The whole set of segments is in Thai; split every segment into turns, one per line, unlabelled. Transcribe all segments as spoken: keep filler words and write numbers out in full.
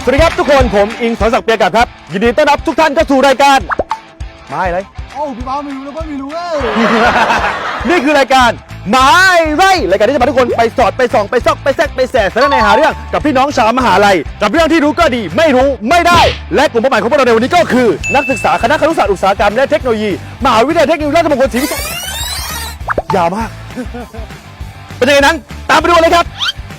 สวัสดีครับทุกคนผมอิงสอนศักดิ์เปียกัดครับยินดีต้อนรับทุกท่านเข้าสู่รายการไม่เลย
โอ้พี่บ้าไม่รู้แล้วก็ไม่รู้เว้ย
นี่คือรายการหมายไรรายการที่จะพาทุกคนไปสอดไปส่องไปซอกไปแซกไปแสสารในหาเรื่องกับพี่น้องชาวมหาลัยกับเรื่องที่รู้ก็ดีไม่รู้ไม่ได้และกลุ่มเป้าหมายของพวกเราในวันนี้ก็คือนักศึกษาคณะครุศาสตร์อุตสาหกรรมและเทคโนโลยีมหาวิทยาลัยเทคโนโลยีราชมงคลศรีวิชัยยาวมากเป็นยังไงนั้นตามไปดูเลยครับ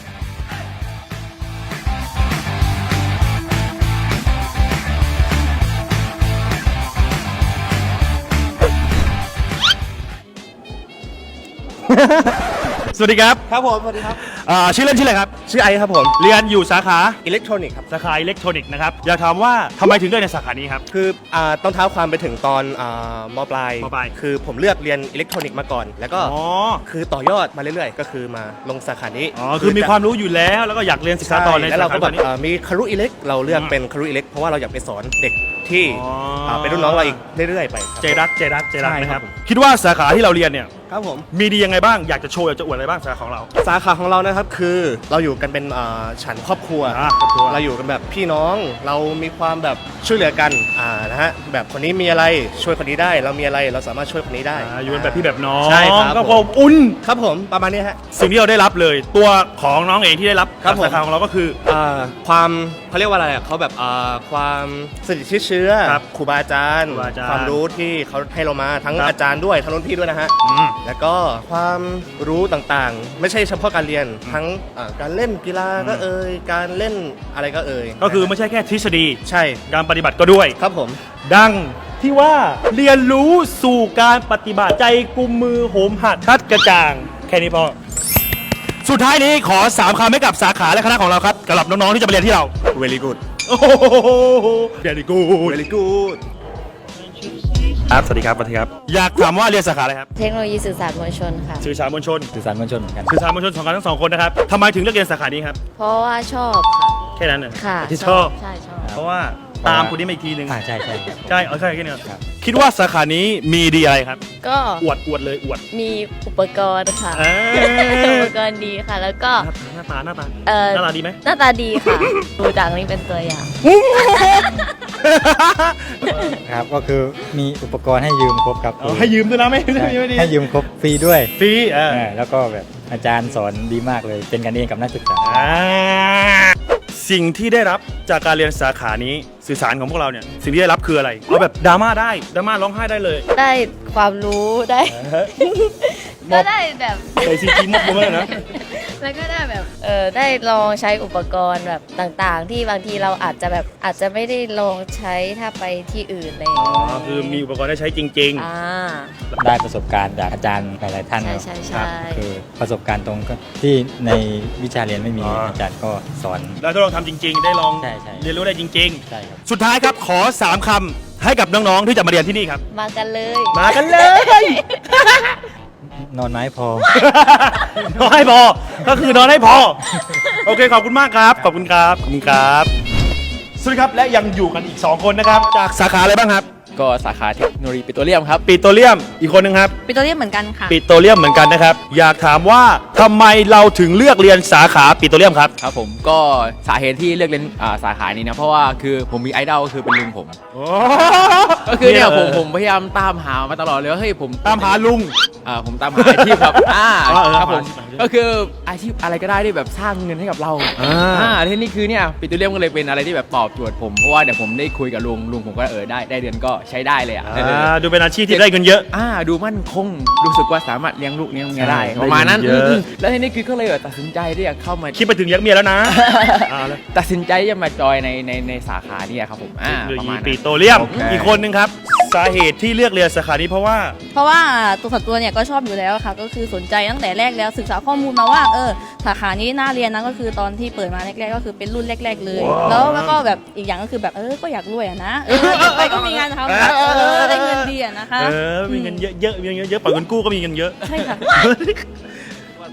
สวัสดีครับ
ครับผมสวัสดีครับ
อ่าชื่อเล่นชื่ออะไรครับ
ชื่อไอครับผม
เรียนอยู่สาขา
อิเล็กทรอนิกส์ครับ
สาขาอิเล็กทรอนิกส์นะครับอยากถามว่าทำไมถึงเลือกในสาขานี้ครับ
คืออ่าต้องเท้าความไปถึงตอนอ่ามปลาย
มปลาย
คือผมเลือกเรียนอิเล็กทรอนิกส์มาก่อน แล้วก็
อ๋อ
คือต่อยอดมาเรื่อยๆ ก็คือมาลงสาขานี้
อ๋อคือมีความรู้อยู่แล้วแล้วก็อยากเรียนศึกษา
ใช่
ต่อใน
แล้วเรา
สา
ก็
ขา
แบบ
นี้
อ่ามีคารุอิเล็กเราเลือก
อืม
เป็นคารุอิเล็กเพราะว่าเราอยากไปสอนเด็กที่
อ๋ออ่
าเป็นรุ่นน้องเราอีกเรื่อยๆไปครับ
ใจรักใจรักใจรัก
ใช่
นะค
ครั
รับบ
ผม
คิดว่าสาขาที่เราเรียนเนี่ย
ครับผม
มีดียังไงบ้างอยากจะโชว์อยากจะอวดอะไรบ้างสาขาของเรา
สาขาของเรานะครับคือเราอยู่กันเป็นอ่าฉันครอบครัว
อ่าครอบครัว
เราอยู่กันแบบพี่น้องเรามีความแบบช่วยเหลือกันอ่านะฮะแบบคนนี้มีอะไรช่วยคนนี้ได้ เรามีอะไรเราสามารถช่วยคนนี้ได้
อ่าอยู่กันแบบพี่แบบน้อง
ใช่ครับ
ก็
ผม
ความอุ่น
ครับผมประมาณนี้ฮะ
สิ่งที่เราได้รับเลยตัวของน้องเองที่ได้รับ
ครับ
จาก
ผม
สาขาของเราก็คือ
อ่าความเขาเรียกว่าอะไรอ่ะเขาแบบอ่าความสนิทชิดเชื้อ
ครับ
ครูบาอาจารย์
ครูบาอาจารย์
ความรู้ที่เขาให้เรามาทั้ง
ครับ
อาจารย์ด้วยทั้งรุ่นพี่ด้วยนะฮะ
อืม
แล้วก็ความรู้ต่างๆ ไม่ใช่เฉพาะการเรียนทั้งอ่าการเล่นกีฬาก็เอ่ยการเล่นอะไรก็เอ่ย
ก็คือไม่ใช่แค่ทฤษฎี
ใช่
การปฏิบัติก็ด้วย
ครับผม
ดังที่ว่าเรียนรู้สู่การปฏิบัติใจกุมมือโหมหัดชัดกระจ่างแค่นี้พอสุดท้ายนี้ขอสามคำให้กับสาขาและคณะของเราครับสำหรับน้องๆที่จะมาเรียนที่เรา
very good
โอ้โหเดี๋ยวดีกู
very good
ครับสวัสดีครับสวัสดีครับ อยากถามว่าเรียนสาขาอะไรครับ
เทคโนโลยีสื่อสารมวลชนค่ะ
สื่อสารมวลชน
สื่อสารมวลชนเหมือนกัน
สื่อสารมวลชนสองกันทั้งสองคนนะครับทำไมถึงเลือกเรียนสาขานี้ครับ
เพราะว่าชอบค่ะ
แค่นั้นน่ะ
ค่ะ
ที่ชอบ
ใช่ชอบ
เพราะว่าตามคนนี้มาอีกทีหนึ่ง
อ่าใช่ใช่ครับ
ใช่เอาใช่แค่นี้
ครับ
คิดว่าสาขานี้มีดีอะไรครับ
ก็
อวดอวดเลยอวด
มีอุปกรณ์ค่ะ
เอ้ย
อุปกรณ์ดีค่ะ แล้วก็
หน้าตาหน้าตา
เอ่อ
หน้าตาดีไหม
หน้าตาดีค่ะ ดูจากนี้เป็นตัวอย่าง
ครับก็คือมีอุปกรณ์ให้ยืมครบครับ
เอาให้ยืมด้วยนะไม่ไม่
ใช่
ไม่ดี
ให้ยืมครบฟรีด้วย
ฟรีเออ
เออแล้วก็แบบอาจารย์สอนดีมากเลย เป็นกันเองกับนักศึกษา
อ่าสิ่งที่ได้รับจากการเรียนสาขานี้สื่อสารของพวกเราเนี่ยสิ่งที่ได้รับคืออะไรเอาแบบดราม่าได้ดราม่าร้องไห้ได้เลย
ได้ความรู้ได้ ก็ได้แบบ
ใส่ซีจีมกบุ้มเลยนะ
แล้วก็ได้แบบเออได้ลองใช้อุปกรณ์แบบต่างๆ ที่บางทีเราอาจจะแบบอาจจะไม่ได้ลองใช้ถ้าไปที่อื่นอะไรอย่าง
อ๋อ
เงี้ย
คือมีอุปกรณ์ได้ใช้จริง
อ่า
ได้ประสบการณ์จากอาจารย์หลายๆท่าน
ใช่
ครับ
ใช่
ครั
ใช่
คือประสบการณ์ตรงก็ที่ในวิชาเรียนไม่มี
อ๋ออ
อาจารย์ก็สอน
ๆ แล้วทดลองทำจริง ๆ ได้ลอง
ใช่ใช่
เรียนรู้ได้จริง
ใช่ครับ
ๆ สุดท้ายครับขอสามคำให้กับน้องๆที่จะมาเรียนที่นี่ครับ
มากันเลย
มากันเลย
นอนไม้พอ
นอนให้พอ ก็คือนอนให้พอ โอเคขอบคุณมากครับ ขอบคุณครับ ขอบคุณครับ สวัสดีครับ และยังอยู่กันอีก สอง คนนะครับ จากสาขาอะไรบ้างครับ
ก็สาขาเทคโนโลยีปิโตรเลียมครับ
ปิโตรเลียม อีกคนหนึ่งครับ
ปิโตรเลียมเหมือนกันค่ะ
ปิโตรเลียมเหมือนกันนะครับ อยากถามว่าทำไมเราถึงเลือกเรียนสาขาปิโตรเลียมครับ
ครับผมก็สาเหตุที่เลือกเรียนอ่าสาขานี้นะเพราะว่าคือผมมีไอดอลก็คือเป็นลุงผม ก็คือเนี่ยผมผมพยายามตามหามาตลอดเลยว่าเฮ้ยผม
ตามหาลุง
อ่าผมตามหาอาชีพครับอ่า
อ๋อเออ
ครับผม
หาอาชีพ
ก็คืออาชีพอะไรก็ได้ที่แบบสร้างเงินให้กับเรา
อ่า
อ่าที่นี่คือเนี่ยปิโตรเลียมก็เลยเป็นอะไรที่แบบตอบโจทย์ผมเพราะว่าเดี๋ยวผมได้คุยกับลุงลุงผมก็เออได้ได้เดือนก็ใช้ได้เลยอ่ะเออ
อ่าดูเป็นอาชีพที่ได้เงินเยอะ
อ่าดูมั่นคงรู้สึกว่าสามารถเลี้ยงลูกเลี้ยงเมียได้
ใช่
ประมาณนั้น
ได้เงินเยอะ
อืมๆแล้วทีนี้คือก็เลยแบบตัดสินใจที่จะเข้ามา
คิดไปถึงยักษ์เมียแล้วนะอ่าแล้ว
ตัดสินใจที่จะมาจอยในในในสาขาเนี่ยครับผมอ่า
เทคโนโล
ประ
ยี
มาณนั้น
ปิโตรเลียม
โอเค
อีกคนหนึ่งครับ สาเหตุที่เลือกเรียนสาขานี้เพราะว่า
เพราะว่าตัวส่วนตัวเนี่ยก็ชอบอยู่แล้วค่ะ ก็คือสนใจตั้งแต่แรกแล้วศึกษาข้อมูลมาว่าเออสาขานี้น่าเรียนนะก็คือตอนที่เปิดมาแรกๆก็คือเป็นรุ่นแรก ๆ เลย แล้วแล้วก็แบบอีกอย่างก็คือแบบเออก็อยากรวยอะนะเออเก็บไปก็มีงานทำนะเออได้เงินดีอะนะคะ
เออ มีเงินเยอะๆมีเงินเยอะๆปล่อยเงินกู้ก็มีเงินเยอะ
ใช่ค่ะ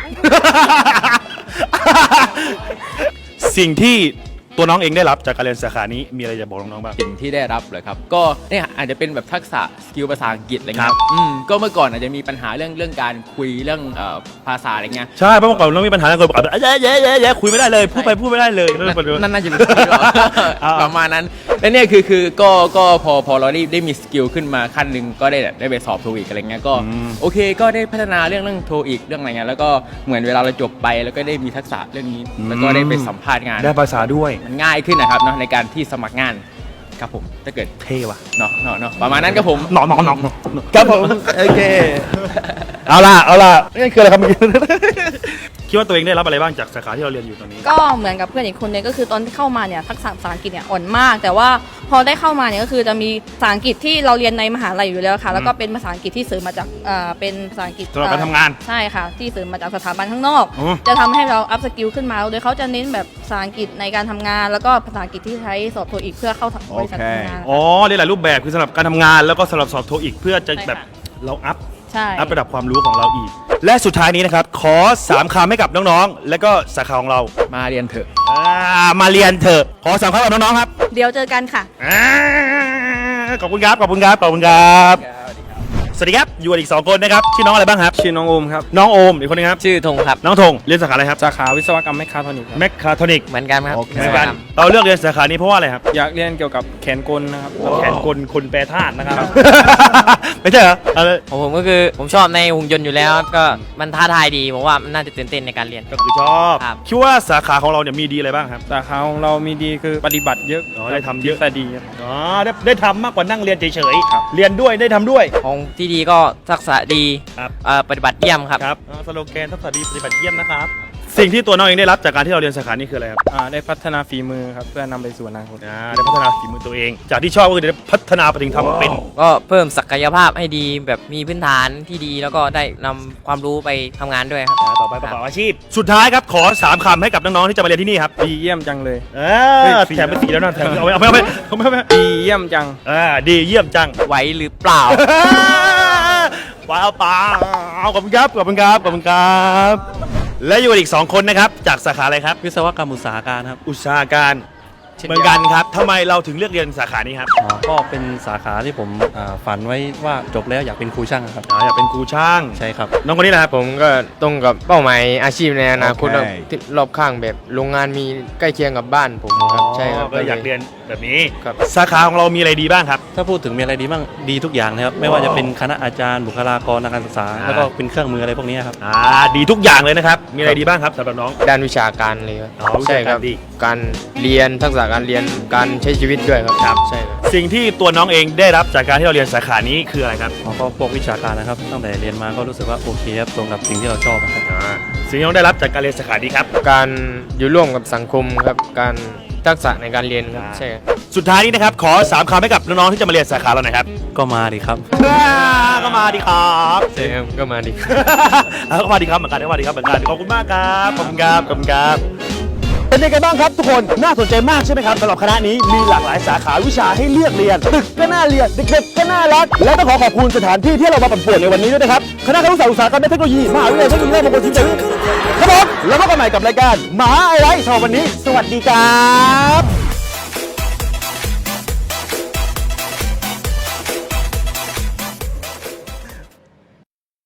สิ่งที่ตัวน้องเองได้รับจากการเรียนสาขานี้มีอะไรจะบอกน้องๆบ้าง
สิ่งที่ได้รับเลยครับ ก็เนี่ยอาจจะเป็นแบบทักษะสกิลภาษาอังกฤษอะไร
ค
เงี้
รั
ย
บ
อืมก็เมื่อก่อนอาจจะมีปัญหาเรื่องเรื่องการคุยเรื่องเอ่อภาษาอะไรเงี้ย
ใช่เพราะเมื่อก่อนเรามีปัญหาเรื่องคนบอกแบบแย่แย่แย่แย่คุยไม่ได้เลยพูดไปพูดไม่ได้เลย
นั่นน่าจะเป็นสกิลหรอ
อ่า
ประมาณนั้นแล้วเนี่ยคือคือก็ก็พอพอเราได้ได้มีสกิลขึ้นมาขั้นหนึ่งก็ได้ได้ไปสอบโทอีกอะไรเงี้ยก็โอเคก็ได้พัฒนาเรื่องเรื่องโทอีกเรื่องอะไรเงี้ยแล้วก็เหมือนเวลาเราจบไปแล้วก็ได้มีทักษะเรื่องนี้แล้วก็ได้ไปสัมภาษณ์งาน
ได้ภาษาด้วย
มันง่ายขึ้นนะครับเนาะในการที่สมัครงานครับผมถ้าเกิด
เท่ว่ะ
เนาะเนาะเนาะประมาณนั้นครับผม
หนอนหนอนหนอนครับผมโอเคเอาล่ะเอาล่ะนี่คืออะไรครับเมื่อกี้ คิดว่าตัวเองได้รับอะไรบ้างจากสาขาที่เราเรียนอยู่ตอนนี้
ก็เหมือนกับเพื่อนอีกคนนึงก็คือตอนที่เข้ามาเนี่ยทักษะภาษาอังกฤษเนี่ยอ่อนมาก แต่ว่าพอได้เข้ามาเนี่ยก็คือจะมีภาษาอังกฤษที่เราเรียนในมหาลัยอยู่แล้วค่ะ แล้วก็เป็นภาษาอังกฤษที่เสริมมาจากอ่าเป็นภาษาอังกฤษ
สำหรับการทำงาน
ใช่ค่ะ ที่เสริมมาจากสถาบันข้างนอก
อ๋อ
จะทำให้เราอัพสกิลขึ้นมาโดยเขาจะเน้นแบบภาษาอังกฤษในการทำงาน แล้วก็ภาษาอังกฤษที่ใช้สอบโทอีกเพื่อเข้าบริษัททำงาน
อ๋อได้หลายรูปแบบคือสำหรับการทำงานแล้วก็สำหรับสอบโทอีกเพื่อจะแบบเราอัพ
ใช่
อัพระดับความรู้ของเราอีก และสุดท้ายนี้นะครับ ขอสามคำให้กับน้องๆ และก็สาขาของเรา
มาเรียนเถอะ
อ่ามาเรียนเถอะขอสามคำกับน้องๆครับ
เดี๋ยวเจอกันค่ะ
อ่าขอบคุณครับขอบคุณครับขอบคุณครับสวัสดีครับอยู่กันอีกสองคนนะครับชื่อน้องอะไรบ้างครับ
ชื่อน้องโอมครับ
น้องโอมอีกคนนึงครับ
ชื่อธงครับ
น้องธงเรียนสาขาอะไรครับ
สาขาวิศวกรรมแมคคาทรอนิกส์ครับ
แมคคาทรอนิก
เหมือนกันครับ
เหมือนกันเราเลือกเรียนสาขานี้เพราะว่าอะไรครับ
อยากเรียนเกี่ยวกับแขนกลนะครับแล้ว
แข
ก็
นกลคนแปรธาตุนะครับ ไม่ใช่เหรอเอาเลย
ของผมก็คือผมชอบในหุ่นยนต์อยู่แล้วก็มันท้าทายดีผมว่ามันน่าจะตื่นเต้นในการเรียน
ก็คือชอบ
ครับ
คิดว่าสาขาของเราเนี่ยมีดีอะไรบ้างครับ
สาขาของเรามีดีคือปฏิบัติเยอะ
อ๋อได้ทำเยอะ
ทฤษฎีครับ
อ๋อได้ได้ทำมากกว่านั่งเรียนเฉยๆเรียนด้วยได้ทำด้วย
ของที่ดีก็ทักษะดี
ครับ
เอ่อปฏิบัติเยี่ยมครับ
ครับสโลแกนทักษะดีปฏิบัติเยี่ยมนะครับ สิ่งที่ตัวน้องเองได้รับจากการที่เราเรียนสาขานี้คืออะไรครับ
อ่าได้พัฒนาฝีมือครับเพื่อนำไปสู่อนาคต
อ่าได้พัฒนาฝีมือตัวเอง จากที่ชอบก็คือได้พัฒนาไปถึงทำเป็น
ก็เพิ่มศักยภาพให้ดีแบบมีพื้นฐานที่ดีแล้วก็ได้นำความรู้ไปทำงานด้วยครับ
อ่าต่อไปประกอบอาชีพ สุดท้ายครับขอสามคำให้กับน้องๆที่จะมาเรียนที่นี่ครับ
ดีเยี่ยมจังเลย
อ่า
เฮ้ยสี่
แถมไปสีแล้วนะแถมเอาไปเอาไปเอาไปเอาไปเอาไป
ดีเยี่ยมจัง
อ่าดีเยี่ยมจัง
ไหวหรือเปล่า
ว้าวเปล่าขอบคุณครับขอบคุณครับขอบคุณครับ และอยู่อีกสองคนนะครับจากสาขาอะไรครับ
วิศวกรรมอุตสาหการครับ
อุตสาหการ
เช่น
เห
เดี
มื
ยว
อนกันครับทำไมเราถึงเลือกเรียนสาขานี้ครับ
อ๋อก็เป็นสาขาที่ผมอ่าฝันไว้ว่าจบแล้วอยากเป็นครูช่างครับ
อ๋ออยากเป็นครูช่าง
ใช่ครับ
น้องคนนี้แหละครับ
ผมก็ตรงกับเป้าหมายอาชีพในอนาคต
โอเค
แบบที่รอบข้างแบบโรงงานมีใกล้เคียงกับบ้านผมครับใช่ครับ
ก็อยากเรียนแบบนี้
ครับ
สาขาของเรามีอะไรดีบ้างครับ
ถ้าพูดถึงมีอะไรดีบ้างดีทุกอย่างนะครับ ไม่ว่าจะเป็นคณะอาจารย์บุคลากรทางการศึกษา
อ่า
แล้วก็เป็นเครื่องมืออะไรพวกนี้ครับ
อ่าดีทุกอย่างเลยนะครับ มีอะไรดีบ้างครับสำหรับน้อง
ด้านวิชาการเลยครับ
อ๋อวิชาการ
ใช่ครับ
ดี
การเรียนทักษะการเรียนการใช้ชีวิตด้วยครับ
ครับ
ใช่ครับ
สิ่งที่ตัวน้องเองได้รับจากการที่เราเรียนสาขานี้คืออะไรครับ
แล้วก็พวกวิชาการนะครับ ตั้งแต่เรียนมาก็รู้สึกว่าโอเคครับตรงกับสิ่งที่เราชอบครับ
อ่าสิ่งที่น้องได้รับจากการเรียนสาขานี้ครับ
การอยู่ร่วมกับสังคมครับการทักษะในการเรียนครับ
อ่า
ใช่ครับ
สุดท้ายนี้นะครับขอสามคำให้กับน้องๆที่จะมาเรียนสาขาเราหน่อยครับ
ก็มาดีครับ
ก็มาดีครับ
ใช่ครับก็มาดี
เอาก็มาดีครับเหมือนกันก็มาดีครับเหมือนกันขอบคุณมากครับขอบคุณครับขอบคุณครับเป็นยังไงบ้างครับทุกคนน่าสนใจมากใช่ไหมครับสำหรับคณะนี้มีหลากหลายสาขาวิชาให้เลือกเรียนตึกก็น่าเรียนเด็กๆก็น่ารักและต้องขอขอบคุณสถานที่ที่เรามาปั่นป่วนในวันนี้ด้วยนะครับคณะครุศาสตร์อุตสาหกรรมและเทคโนโลยีมหาวิทยาลัยเทคโนโลยีราชมงคลศรีนครินทร์ครับผมแล้วพบกันใหม่กับรายการหมาไอไลท์สำหรับวันนี้ สวัสดีครับ